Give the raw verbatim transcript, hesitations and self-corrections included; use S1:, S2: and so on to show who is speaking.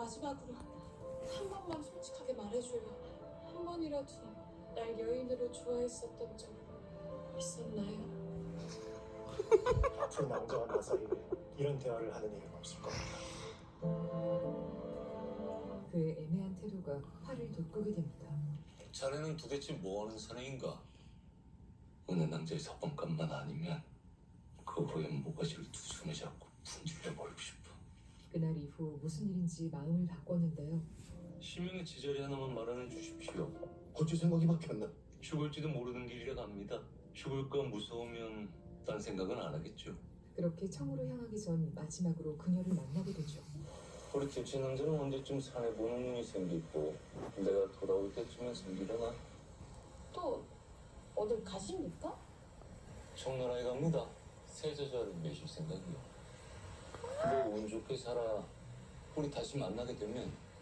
S1: 마지막으로 한 번만 솔직하게 말해줘요. 한 번이라도 날 여인으로 좋아했었던 적 있었나요?
S2: 앞으로 남자와 나 사이에 이런 대화를 하는 일은 없을 겁니다.
S3: 그의 애매한 태도가 화를 돋구게 됩니다.
S4: 자네는 도대체 뭐하는 사내인가? 어느 남자의 서방감만 아니면 그 후에 모가지를 두 손에 잡고 분질러버리고 싶어.
S3: 그날 이후 무슨 일인지 마음을 바꿨는데요.
S4: 시명의 제자리 하나만 마련해 주십시오.
S2: 어찌 생각이 바뀌었나?
S4: 죽을지도 모르는 길이라 갑니다. 죽을까 무서우면 딴 생각은 안 하겠죠.
S3: 그렇게 청으로 향하기 전 마지막으로 그녀를 만나게 되죠.
S4: 우리 김치 남자는 언제쯤 산에 보는 눈이 생기고 내가 돌아올 때쯤엔 생기려나?
S1: 또 어딜 가십니까?
S4: 청나라에 갑니다. 새 저자를 매실 생각이요. 너 운 좋게 살아. 우리 다시 만나게 되면